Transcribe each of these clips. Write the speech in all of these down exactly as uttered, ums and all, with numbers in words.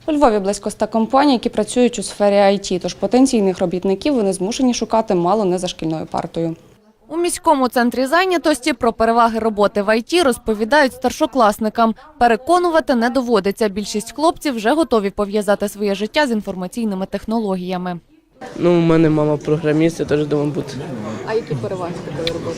У Львові близько ста компаній, які працюють у сфері ай ті, тож потенційних робітників вони змушені шукати мало не за шкільною партою. У міському центрі зайнятості про переваги роботи в ай ті розповідають старшокласникам. Переконувати не доводиться. Більшість хлопців вже готові пов'язати своє життя з інформаційними технологіями. Ну, у мене мама програміст, я теж думаю бути. А які переваги такої роботи?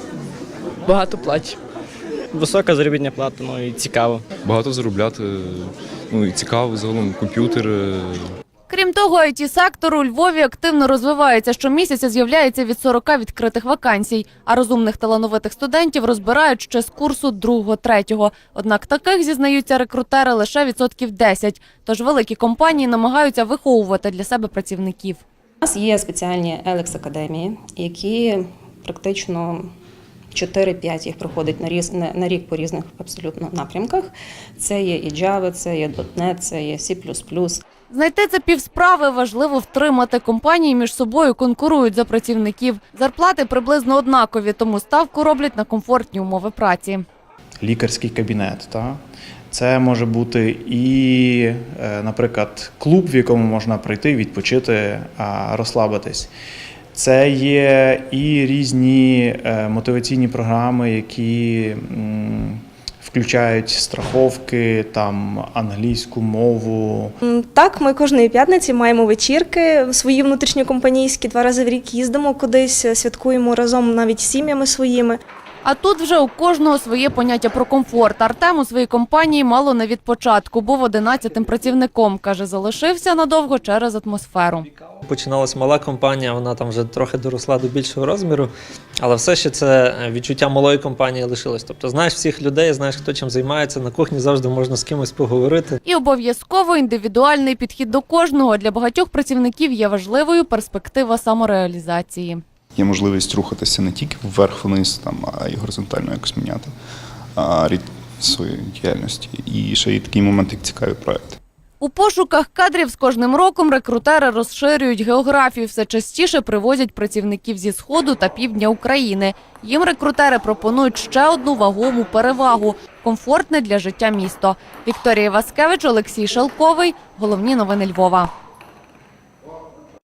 Багато платять. Висока заробітна плата, ну і цікаво. Багато заробляти, ну і цікаво, загалом комп'ютер. Крім того, ай ті-сектор у Львові активно розвивається. Щомісяця з'являється від сорока відкритих вакансій, а розумних талановитих студентів розбирають ще з курсу другого-третього. Однак таких, зізнаються рекрутери, лише відсотків десять. Тож великі компанії намагаються виховувати для себе працівників. У нас є спеціальні елекс-академії, які практично чотири-п'ять їх проходить на, різ, на рік по різних абсолютно напрямках. Це є і Java, це є .дот нет, це є сі плюс плюс. Знайти це півсправи, важливо втримати. Компанії між собою конкурують за працівників. Зарплати приблизно однакові, тому ставку роблять на комфортні умови праці. Лікарський кабінет, та? Це може бути і, наприклад, клуб, в якому можна прийти, відпочити, розслабитись. Це є і різні мотиваційні програми, які включають страховки, там, англійську мову. Так, ми кожної п'ятниці маємо вечірки свої внутрішньокомпанійські, два рази в рік їздимо кудись, святкуємо разом навіть з сім'ями своїми. А тут вже у кожного своє поняття про комфорт. Артем у своїй компанії мало не від початку. Був одинадцятим працівником. Каже, залишився надовго через атмосферу. Починалась мала компанія, вона там вже трохи доросла до більшого розміру, але все ще це відчуття малої компанії лишилось. Тобто знаєш всіх людей, знаєш, хто чим займається, на кухні завжди можна з кимось поговорити. І обов'язково індивідуальний підхід до кожного. Для багатьох працівників є важливою перспектива самореалізації. Є можливість рухатися не тільки вверх-вниз, там, а й горизонтально якось міняти а, рід своєї діяльності. І ще є такий момент, як цікаві проекти. У пошуках кадрів з кожним роком рекрутери розширюють географію. Все частіше привозять працівників зі Сходу та Півдня України. Їм рекрутери пропонують ще одну вагому перевагу – комфортне для життя місто. Вікторія Васкевич, Олексій Шелковий. Головні новини Львова.